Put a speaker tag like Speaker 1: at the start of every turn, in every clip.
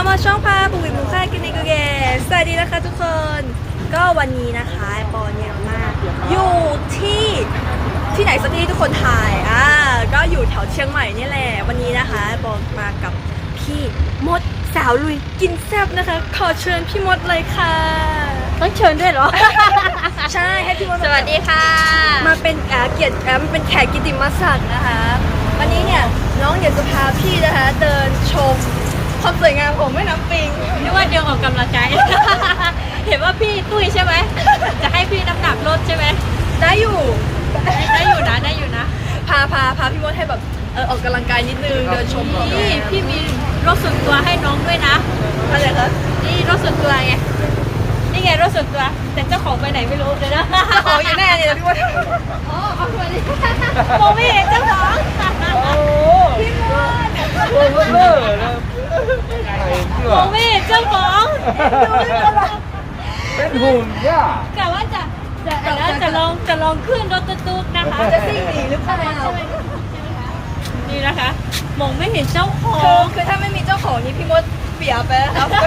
Speaker 1: มาช่องพาปุ๋ยหมูค่ากินในกูเกสสวัสดีนะคะทุกคนก็วันนี้นะคะปอเนี่ยมาอยู่ที่ไหนสักที่ทุกคนถ่ายก็อยู่แถวเชียงใหม่นี่แหละวันนี้นะคะปอมากับพี่มดสาวลุยกินแซ่บนะคะขอเชิญพี่มดเลยค่ะ
Speaker 2: ต้องเชิญด้วยเหรอ
Speaker 1: ใช่ให้พี่มด
Speaker 2: สวัสดีค่ะ
Speaker 1: มาเป็นเกียรติเป็นแขกกิตติมศักดิ์นะคะวันนี้เนี่ยน้องอยากจะพาพี่นะคะเดินชมความสวยงามของแม่น้ำปิง
Speaker 2: นึกว่าเดินออกกำลังกาย เห็นว่าพี่ตุ้ยใช่ไหมจะให้พี่น้ำหนักลดใช่ไหม
Speaker 1: ได้อยู่
Speaker 2: นะ
Speaker 1: พาพี่มดให้แบบออกกำลังกายนิดนึงเดินชม
Speaker 2: พี่มีรถส่วนตัวให้น้องด้วยนะ
Speaker 1: อะไรคะ
Speaker 2: นี่รถส่วนตัวไงนี่ไงรถส่วนตัวแต่เจ้าของไปไหนไม่รู้เลยนะ
Speaker 1: เจ้าของอยู่แน่เนี่ยพี่มด
Speaker 2: เอาไปดิมองไม่เห็นเจ้าของ
Speaker 1: พี่มด
Speaker 2: มองไม่เห็นเจ้าของ
Speaker 3: เป็นหุ่นย่าก
Speaker 2: ะว่าจะลองขึ้นรถตุ๊กๆนะคะ
Speaker 1: จะซิ่งหนีหรือเปล่า
Speaker 2: นี่นะคะมองไม่เห็นเจ้าของ
Speaker 1: คือถ้าไม่มีเจ้าของนี่พี่มดเปียไปแล้วครับ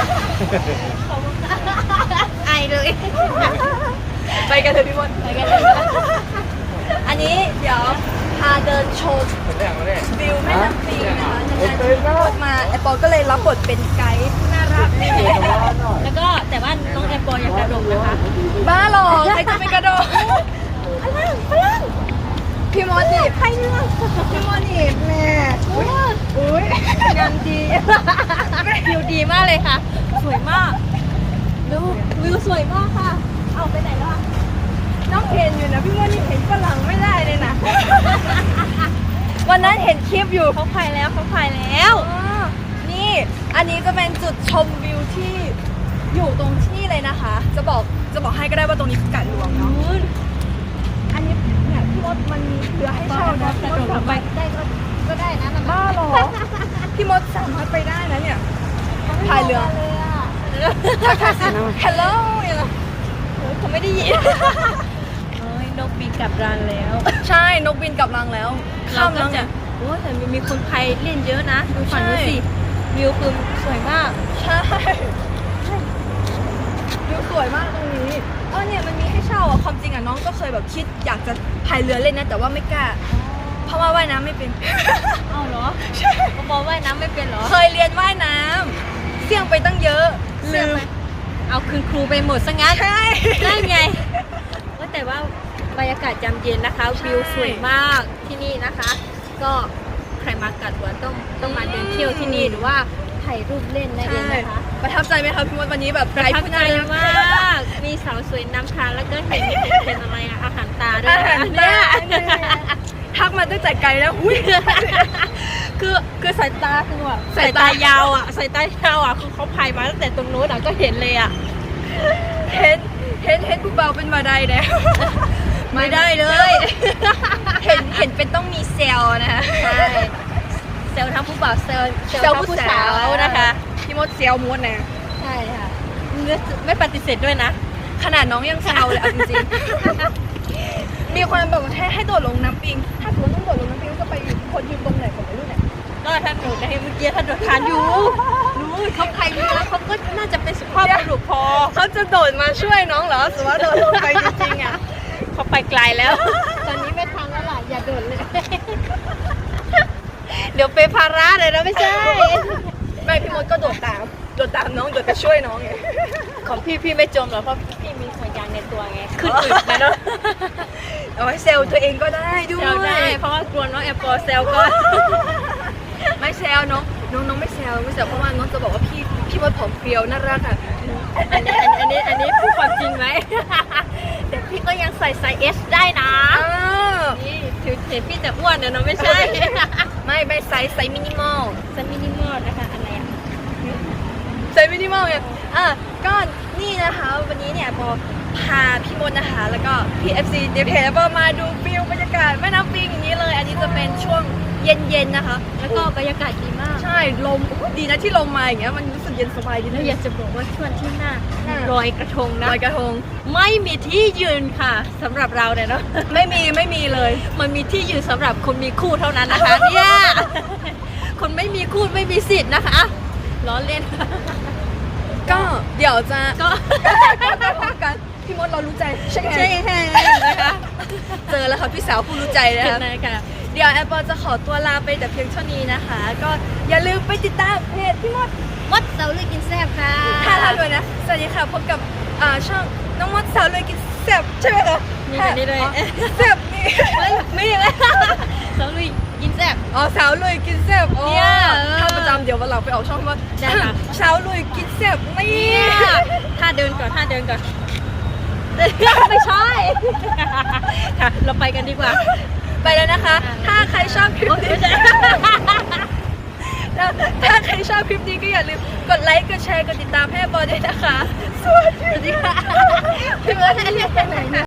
Speaker 2: ไอเลย
Speaker 1: ไปกันเถอะพี่มด
Speaker 2: ไปกันเลย
Speaker 1: อันนี้เดี๋ยวพาเดินชมวิวแม่น้ำปิงนะคะพี่มดมาไอปอก็เลยรับบทเป็นไกด์น่ารัก
Speaker 2: แล้วก็แต่ว่าน้องแอปเปิลอยากกระโดดนะคะ
Speaker 1: บ้าหรอใครจะไปกระโดดพลังพี่มดนี่ใครเรื่องพี่มดนี่แม่อุ้ย
Speaker 2: งานดีวิวดีมากเลยค่ะสวยมากดูวิวสวยมากค่ะเอาไปไหนแล้วอ่ะ
Speaker 1: น้องเห็นอยู่นะพี่มดนี่เห็นฝรั่งไม่ได้เลยนะวันนั้นเห็นคลิปอยู่
Speaker 2: เขาพายแล้ว
Speaker 1: นี่อันนี้จะเป็นจุดชมวิวที่อยู่ตรงที่เลยนะคะจะบอกให้ก็ได้ว่าตรงนี้คือกาดหลวงเนาะอันนี้เนี่ยพี่มดมันมีเรือให้เช่านะพี่มดสามารถ
Speaker 2: ได้ก็ได้นะ
Speaker 1: บ้าหรอพี่มดสามารถไปได้นะเนี่ยพายเรือทักทายฮัลโหลอย่างเงี้ย
Speaker 2: เขาไม่ได้ยินนกบินกลับรังแล้ว
Speaker 1: ใช่นกบินกลับรังแล้วข้ามแล้วเนี่ย
Speaker 2: โอ้แต่มีคนไทยเล่นเยอะนะดูฝั่งนู้นสิวิวคือสวยมาก
Speaker 1: ใช่วิวสวยมากตรงนี้เนี่ยมันมีให้เช่าความจริงน้องก็เคยแบบคิดอยากจะพายเรือเล่นนะแต่ว่าไม่กล้าเพราะว่าว่ายน้ำไม่เป็น
Speaker 2: เอาเหรอใช่บอกว่ายน้ำไม่เป็นเหรอ
Speaker 1: เคยเรียนว่ายน้ำเสี่ยงไปตั้งเยอะลืม
Speaker 2: เอาคืนครูไปหมดซะงั้น
Speaker 1: ใช่
Speaker 2: ได้ไงว่าแต่ว่าบรรยากาศยามเย็นนะคะวิวสวยมากที่นี่นะคะ ก็ใครมากัดหัวต้องมาเดินเที่ยวที่นี่หรือว่าถ่ายรูปเล่นได้เลยนะคะ
Speaker 1: ประทับใจไหมคะพี่มดวันนี้แบบ
Speaker 2: ประทับใจมากมีสาวสวยนำทางแล้วก็เห็นเป็นอะไรอาหารตาด้วย
Speaker 1: เนี่ยทักมาตั้งแต่ไกลแล้ว
Speaker 2: คือสายตาคือแบบสายตายาวคือเขาพายมาตั้งแต่ตรงโน้นก็เห็นเลย
Speaker 1: เห็นผู้เบาเป็นมาได้แล้ว
Speaker 2: ไม่ได้เลย
Speaker 1: เห็นเป็นต้องมีเซลนะคะ
Speaker 2: ใช่เซลทั้งผู้บ่าวเซลผู้สาวนะคะ
Speaker 1: พี่มดเซลมดนะ
Speaker 2: ใช่ค่ะไม่ปฏิเสธด้วยนะ
Speaker 1: ขนาดน้องยังเซลเลยจริงๆมีคนบอกว่าให้โดดลงน้ำปิงถ้าคุณต้องโดดลงน้ำปิงจะไปคนยืนตรงไหนผมไม่รู้เนี่ย
Speaker 2: ก็ท่านโดดในเมื่อกี้ท่านโดดทานอยู่รู้เขาใครมีแล้วเขาก็น่าจะเป็นสุภาพบุรุษพอ
Speaker 1: เขาจะโดดมาช่วยน้องเหรอสมมติว่าโดดลงไปจริงๆ
Speaker 2: เขาไปไกลแล้วตอนนี้ไม่ทันแล้วล่ะอย่าโดดเลยเดี๋ยวเป็นภาระเลยนะไม่ใช่
Speaker 1: ไม่พี่มดก็โดดตามน้องโดดไปช่วยน้องไง
Speaker 2: ของพี่ไม่จมหรอกเพราะพี่มีห่วงยางในตัวไงขึ้นอึดนะเนาะ
Speaker 1: เอาไว้เซลตัวเองก็ได้ด้วย
Speaker 2: เซลได้เพราะว่ากลัวน้องแอปเปิลเซลก็
Speaker 1: ไม่เซลน้องไม่เซลเพราะว่าน้องจะบอกว่าพี่มดผอมเพรียวน่ารักอ่ะ
Speaker 2: อันนี้พูดความจริงไหมแต่พี่ก็ยังใส่ไซส์ S ได้นะนี่ถือเห็นพี่จะอ้วนเนาะไม่ใช่
Speaker 1: ไม่ไซส์มินิมอล
Speaker 2: นะคะอะไร
Speaker 1: ไซส์มินิมอลไงก็นี่นะคะวันนี้เนี่ยพอพาพี่มดนะคะแล้วก็พี่ FC เดฟเพลมาดูวิวบรรยากาศแม่น้ำปิงอย่างนี้เลยอันนี้จะเป็นช่วงเย็นๆนะคะ
Speaker 2: แล้วก็บรรยากาศดีมาก
Speaker 1: ใช่ลมดีนะที่ลมมาอย่างเงี้ยมันรู้สึกเย็นสบายดีนะ
Speaker 2: อยากจะบอกว่าช่วงที่หน้าลอยกระทงนะ
Speaker 1: ลอยกระทง
Speaker 2: ไม่มีที่ยืนค่ะสำหรับเราเนี่ยเนาะ
Speaker 1: ไม่มีเลย
Speaker 2: มันมีที่ยืนสำหรับคนมีคู่เท่านั้นนะคะเนี่ยคนไม่มีคู่ไม่มีสิทธิ์นะคะล้อเล่น
Speaker 1: ก็เดี๋ยวจะ
Speaker 2: ก็
Speaker 1: ก็พอกันพี่มดเรารู้ใจใช่ไหม
Speaker 2: ใช่ค่ะนะคะ
Speaker 1: เจอแล้วค่ะพี่สาวผู้รู้ใจนะ
Speaker 2: เห็น
Speaker 1: คะ
Speaker 2: ไหมค่ะ
Speaker 1: เดี๋ยวแอปเปิลจะขอตัวลาไปแต่เพียงเท่านี้นะคะ ก็อย่าลืมไปติดตามเพจพี่มด
Speaker 2: มดเสาลุยกินแซ่บค่ะ
Speaker 1: ท่าทางด้วยนะ สวัสดีค่ะ พบกับช่องน้องมดสาวเลยกินแซ่บใช่ไหมคะ
Speaker 2: นี่แบบนี้เลย
Speaker 1: อ๋อแซ่บนี่
Speaker 2: ไม่เลยเสาลุยกินแซ่บ
Speaker 1: อ๋อสาวเลยกินแซ่บอ๋อ
Speaker 2: เนี่ย
Speaker 1: ถ้าประจำเดี๋ยววันหลังไปออกช่องพี่มด
Speaker 2: ได้ค่ะ
Speaker 1: สาวเลยกินแซ่บนี่
Speaker 2: เนี่ยท่าเดินก่อนท่าเดินก่อน ไม่ใช่ ค่ะ เราไปกันดีกว่า
Speaker 1: ไปแล้วนะคะ ถ้าใครชอบคลิปนี้ แล้วถ้าใครชอบคลิปนี้ก็อย่าลืมกดไลค์ กดแชร์ กดติดตามให้แอปเปิลด้วยนะคะ สวัสดีค่ะ
Speaker 2: พี่เบิร์ดให้เรียกไปไหนเนี่ย